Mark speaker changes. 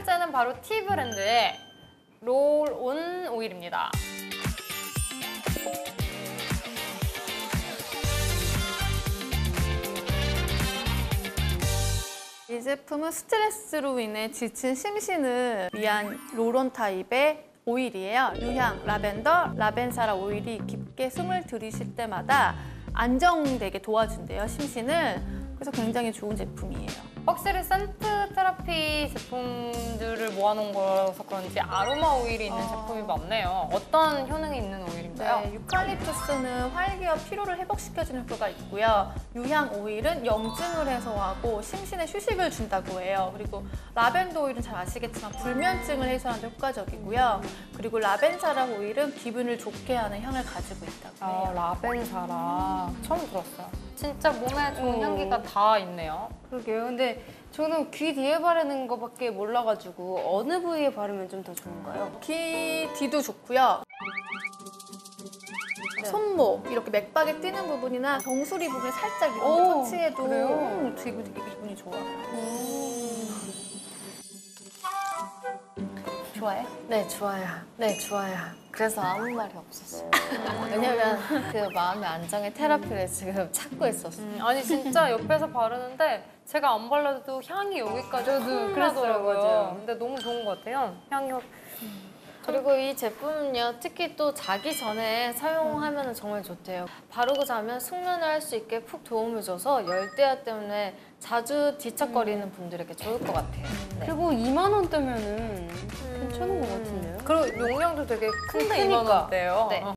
Speaker 1: 번째는 바로 T 브랜드의 롤온 오일입니다.
Speaker 2: 이 제품은 스트레스로 인해 지친 심신을 위한 롤온 타입의 오일이에요. 유향, 라벤더, 라벤사라 오일이 깊게 숨을 들이쉴 때마다 안정되게 도와준대요, 심신을. 그래서 굉장히 좋은 제품이에요.
Speaker 1: 확실히 센트 테라피 제품들을 모아놓은 거라서 그런지 아로마 오일이 있는 제품이 많네요. 어떤 효능이 있는 오일인가요?
Speaker 2: 네, 유칼립투스는 활기와 피로를 회복시켜주는 효과가 있고요. 유향 오일은 염증을 해소하고 심신에 휴식을 준다고 해요. 그리고 라벤더 오일은 잘 아시겠지만 불면증을 해소하는 데 효과적이고요. 그리고 라벤사라 오일은 기분을 좋게 하는 향을 가지고 있다고 해요.
Speaker 1: 라벤사라 처음 들었어요. 진짜 몸에 좋은 향기가 다 있네요.
Speaker 3: 그러게요. 근데 저는 귀 뒤에 바르는 거밖에 몰라가지고 어느 부위에 바르면 좀 더 좋은가요?
Speaker 2: 귀 뒤도 좋고요. 손목, 이렇게 맥박에 뛰는 부분이나 정수리 부분에 살짝 이렇게 터치해도 되게 기분이 좋아요.
Speaker 3: 좋아요?
Speaker 4: 네, 좋아요. 네, 좋아요. 그래서 아무 말이 없었어요. 왜냐면 그 마음의 안정의 테라피를 지금 찾고 있었어요.
Speaker 1: 아니 진짜 옆에서 바르는데 제가 안 발라도 향이 여기까지 확 나더라고요. 근데 너무 좋은 것 같아요. 향이
Speaker 4: 그리고 이 제품은요, 특히 또 자기 전에 사용하면 정말 좋대요. 바르고 자면 숙면을 할 수 있게 푹 도움을 줘서 열대야 때문에 자주 뒤척거리는 분들에게 좋을 것 같아요. 네.
Speaker 3: 그리고 2만 원대면은 괜찮은 것 같은데요?
Speaker 1: 그리고 용량도 되게 큰데
Speaker 4: 크니까.
Speaker 1: 2만 원대요.
Speaker 4: 네.